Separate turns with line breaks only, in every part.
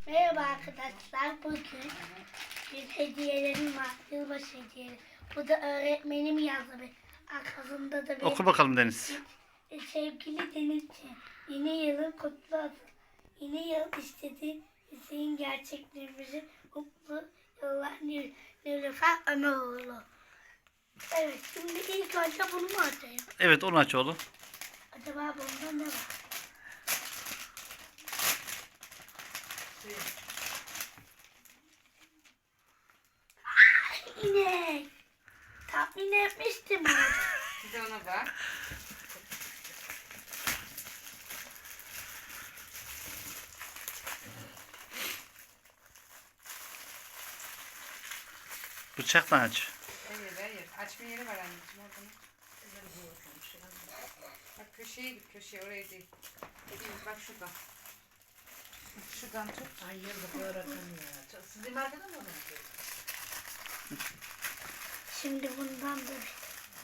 Merhaba arkadaşlar. Bugün bir hediyelerim var. Yılbaşı hediyeleri. Bu da öğretmenim yazdı. Arkasında da bir
Oku bakalım Deniz.
sevgili Denizciğim. Yeni yılın kutlu olsun. Yeni yıl istedi. Hüseyin gerçekliğimizi mutlu yıllar Nilüfer Ömeroğlu. Evet, şimdi ilk önce bunu mu açayım?
Evet, onu aç oğlum.
Acaba bunda ne var? İnek. Tahmin etmiştim onu.
Bir de ona bak.
Bıçakla aç.
Hayır. Açma yeri var anneciğim orada. Bak köşeye git, köşeye, oraya değil. Bak şuradan. Şuradan tut.
Ay yıldık öğretemiyor. Sizin markada mı var?
Şimdi bundan da bir.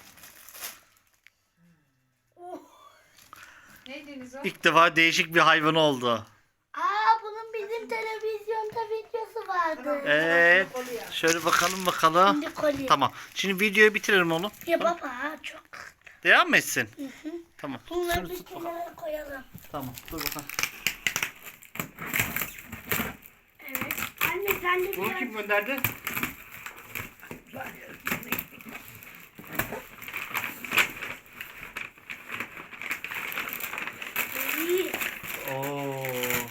Oh.
Ne Deniz o?
İlk defa değişik bir hayvan oldu.
Bunun bizim televizyonda videosu vardı.
Evet. Şöyle bakalım.
Şimdi kolye.
Tamam. Şimdi videoyu bitirelim oğlum.
Ya baba çok.
Devam mı etsin? Tamam.
Bunları
Şunu
bir
tut bakalım.
kenara koyalım.
Tamam. Dur bakalım.
Evet. Anne sen de
Bunu
biraz.
kim gönderdi?
İyi.
Oo.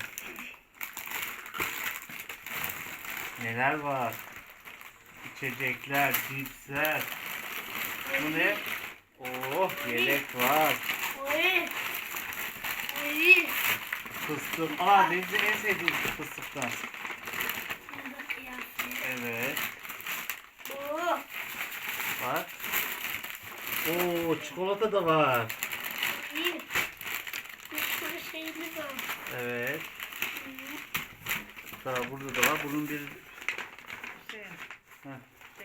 Neler var? İçecekler, cipsler. Bu ne? Oh, yelek var.
Oy. Oy.
Fıstık. Deniz'in en sevdiği fıstıktan.
Bunu da kıyaslayalım.
Evet.
Oo.
Bak. Oo, çikolata da var.
İyi. Bir sürü şeyimiz var.
Evet. Daha burada da var. Bunun bir... Heh,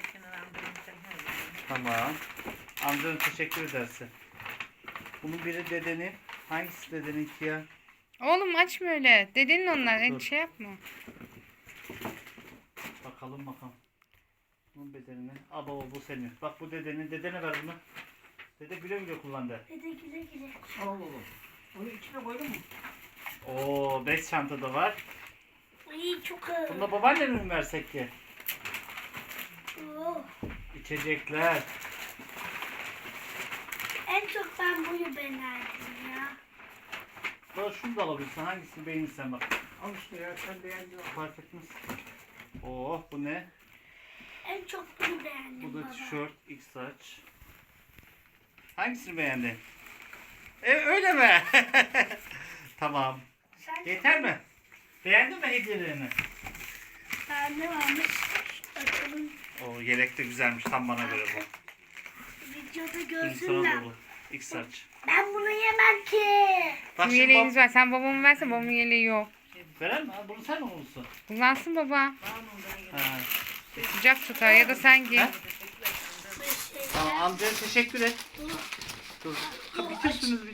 tamam. Amcanın teşekkür edersin. Bunun biri dedenin. Hangisi dedeninki ya?
Oğlum açma öyle. Dedenin onlar.
Dur.
Şey yapma.
Bakalım. Bunun bedenini. Baba bu senin. Bak bu dedenin. Dedene ver bunu. Dede güle güle kullandı.
Dede güle güle.
Allah Allah. Onu içine koydun mu?
Oo, 5 çanta da var.
İyi çok ağır.
Bunu da babaannene mi versek ki?
Oo.
İçecekler.
En çok ben buyu beğendim ya.
Bak şunu da alabilirsin. Hangisini beğenirsen bak.
Al işte ya sen beğendin.
Fark etmez. Oh, bu ne?
En çok bunu beğendim
Bu da
baba.
tişört, X saç. Hangisini beğendin? Öyle mi? Tamam.
Sen
Yeter mi? Beğendin mi hediyelerini?
ne varmış? Bakalım.
O yelek de güzelmiş. Tam bana göre bu.
Videoda
Şimdi
görsünler.
sana da bu. X saç.
Ben bunu yemem ki.
Bak
Bizim yeleğimiz var. Sen babamı versen babamın yeleği yok.
Veren mi? Bunu sen mi bulursun?
Kullansın baba.
Ha.
Sıcak tutar ya da sen giy.
Ha? Tamam, amcaya teşekkür et. Dur. Bitirsiniz